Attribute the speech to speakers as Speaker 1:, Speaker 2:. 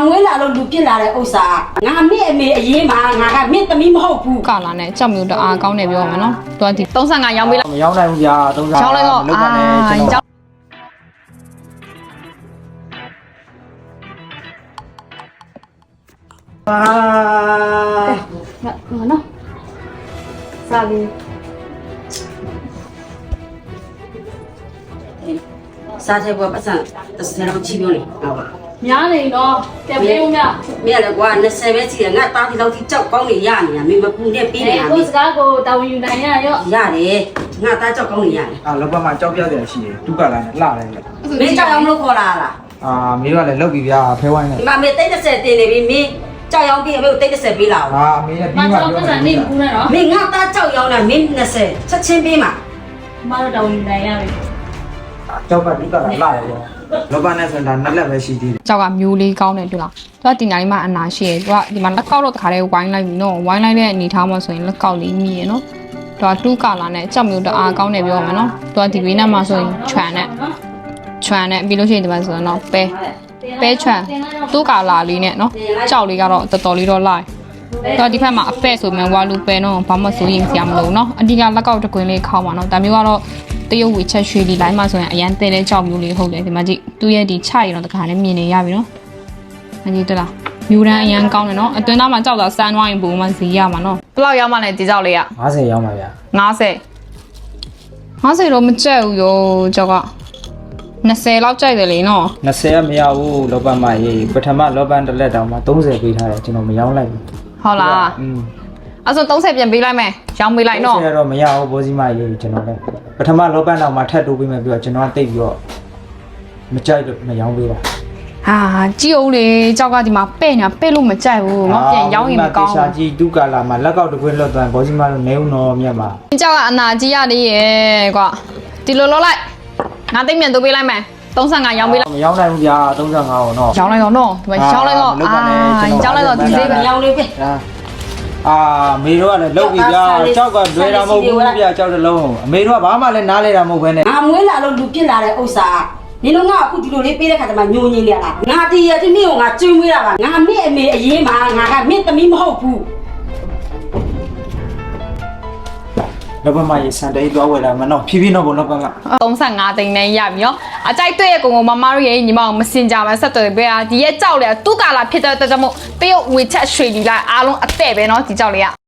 Speaker 1: မွေးလာလို့လူပြစ်လာတဲ့ဥစ္စာငါမင်းအမေအရေးမှာငါကမင်းသမီးမဟုတ်ဘူး
Speaker 2: ကာလာနဲ့ကြောက်မျိုးတအားကောင်းတယ်ပြောမှာနော်သူကဒီ35ရောင်းပေးလိုက်
Speaker 3: မရောင်းနိုင်ဘူးဗျာ35
Speaker 2: ရောင်းလိုက်တော့
Speaker 3: လုပ်ပါနဲ့ကျွန်တော်
Speaker 1: နော်စားလေးစားတဲ့ဘပတ်စံ30လောက်ကြည့်ပြောနေဟုတ်ပါ
Speaker 4: များနေတော့တက်ပေးဦးမြ
Speaker 1: မင်းလည်းကွာ20ပဲကြည့်ရငါတားဒီလောက်ထိကြောက်ကောင်းနေရနေတာမင်းမပူနဲ့ပြီးနေတာမ
Speaker 4: ကို
Speaker 1: င်း
Speaker 4: စကားကိုတာဝန်ယူနိုင်ရရော့
Speaker 1: ရတယ်ငါတားကြောက်ကောင်းနေရတယ်
Speaker 3: လောဘမှာကြောက်ပြတယ်ရှိတယ်ဒုက္ခလာနဲ့လှတယ်
Speaker 1: မင်းကြောက်အောင်လို့ခေါ်လာလား
Speaker 3: မင်းကလည်းလောက်ပြီဗျာဖဲဝိုင်းနဲ့
Speaker 1: ဒီမှာမင်း30တင်နေပြီမင်းကြောက်ရောင်းပြီးအမေကို30ပေးလာအောင်
Speaker 3: အမေနဲ့
Speaker 4: မ
Speaker 3: ပြီးမှ
Speaker 4: တော်
Speaker 3: ပြော
Speaker 4: ပတ်စံ
Speaker 3: မယ်
Speaker 4: နေဘူးနဲ့နော်
Speaker 1: မင်းငါသားကြောက်ရောင်းတာမင်း20ချက်ချင်းပေးမှာ
Speaker 4: မတော်တာဝန်ယူနိုင်ရပြီ
Speaker 3: ကြောက်ကဒုက္ခလာလှတယ်ဗျာလောဘနဲ့ဆိုတာနှစ်လက်ပဲရှိသေးတယ်
Speaker 2: ကြောက်ကမျိုးလေးကောင်းတယ်တွေ့လားသူကဒီနိုင်မှာအနာရှိရယ်သူကဒီမှာလက်ကောက်တော့တခါတည်းဝိုင်းလိုက်ပြီနော်ဝိုင်းလိုက်တဲ့အနေထားမှာဆိုရင်လက်ကောက်လေးမြည်ရယ်နော်သူကတူးကာလာနဲ့ကြောက်မျိုးတအားကောင်းတယ်ပြောမှာနော်သူကဒီဘေးနားမှာဆိုရင်ခြံနဲ့ပြီးလို့ရှိရင်ဒီမှာဆိုရင်တော့ပဲခြံတူးကာလာလေးနဲ့နော်ကြောက်လေးကတော့တော်တော်လေးတော့လိုက်တော့ဒီဖက်မှာအဖက်ဆိုမြန်ဝါလူပဲနော်ဘာမှစိုးရင်စရာမလိုနော်အဓိကလက်ကောက်တကွင်းလေးခေါင်းပါနော်ဒါမျိုးကတော့တရုတ်ဝေချက်ရွှေဒီလိုင်းမှာဆိုရင်အရန်တဲတဲ့ကြောက်မျိုးလေးဟုတ်တယ်ဒီမှာကြည့်သူ့ရဲ့ဒီခြရတော့တခါနဲ့မြင်နေရပြီနော်အကြီးတလားမျိုးတန်းအရန်ကောင်းတယ်နော်အတွင်းသားမှာကြောက်တာစမ်းသွားရင်ပုံမှန်စီရမှာနော်ဘယ်လောက်ရောက်မှလဲဒီကြောက်လေးက
Speaker 3: 50ရောင်းပါဗျာ
Speaker 2: 50တော့မကြက်ဘူးရောကြောက်က20လောက်ကြိုက်တယ်လေနော်
Speaker 3: 20ကမရဘူးလောဘမှာရေးပထမလောဘတစ်လက်တောင်မှ30ပေးထားတယ်ကျွန်တော်မရောင်းလိုက်ဘူး
Speaker 2: ဟုတ်လားအဲ့ဆို30ပြန်ပေးလိုက်မယ်ရောင်းပေးလိုက်နော်
Speaker 3: 30တော့မရဘူးဘောစီမရေးကျွန်တော်လည်းပထမလောဘတောင်မှထပ်တိုးပေးမယ်ပြီးတော့ကျွန်တော်ကတိတ်ပြီးတော့မကြိုက်လို့မရောင်းပေးတာ
Speaker 2: ဟာကြည့်အောင်လေကြောက်ကဒီမှာပဲ့နေတာပဲ့လို့မကြိုက်ဘူးငေါပြန်ရောင်းရင်မကောင်းဘူး
Speaker 3: ရှာကြီးဒုက္ခလာမှာလက်ကောက်တစ်ခွင်းလွတ်သွားဘောစီမတို့နေဦးနော်မြတ်ပါ
Speaker 2: ကြောက်ကအနာကြီးရသေးရဲ့ကွာဒီလိုလုပ်လိုက်ငါသိမြန်တိုးပေးလိုက်မယ်35ရောင်းပေးလိုက်
Speaker 3: မရောင်းနိုင်ဘူးဗျာ35အောင်တော့
Speaker 2: ရောင်းလိုက်တော့နော်ဒီမှာရောင်းလိုက်တော့ရောင်းလိုက်တော့ဒီဈေးပဲ
Speaker 1: ရောင်းလေးပဲ
Speaker 3: မေတို့ကလည်းလုတ်ပြီဗျာကြောက်ကလွယ်တာမဟုတ်ဘူးဗျာကြောက်တလုံးအမေတို့ကဘာမှလည်းနားလဲတာမဟုတ်ဘဲနဲ့
Speaker 1: ငါမွေးလာလို့လူပြစ်လာတဲ့ဥစ္စာနင်တို့ကအခုဒီလိုလေးပေးတဲ့ခါကျမှညိုညင်းနေရလားငါတည်ရတဲ့မင်းကိုငါကျွေးမွေးတာပါငါမင်းအမေအရေးမှာငါကမင်းသမီးမဟုတ်ဘူး
Speaker 3: လောဘမရေးစံတေးသွားဝယ်လာမနော်ဖြည်းဖြည်းတော့ဘလောဘက
Speaker 2: 35သိန်းနဲ့ရပြီရောအကြိုက်တွေ့ရဲ့ကုံကုံမမတို့ရဲ့ညီမအောင်မစင်ကြမှာဆက်သွယ်ပေးတာဒီရဲ့ကြောက်လေတူကာလာဖြစ်တဲ့အတွက်ကြောင့်မို့တရုတ်ဝေချက်ရွှေလီလိုက်အားလုံးအတဲ့ပဲเนาะဒီကြောက်လေးက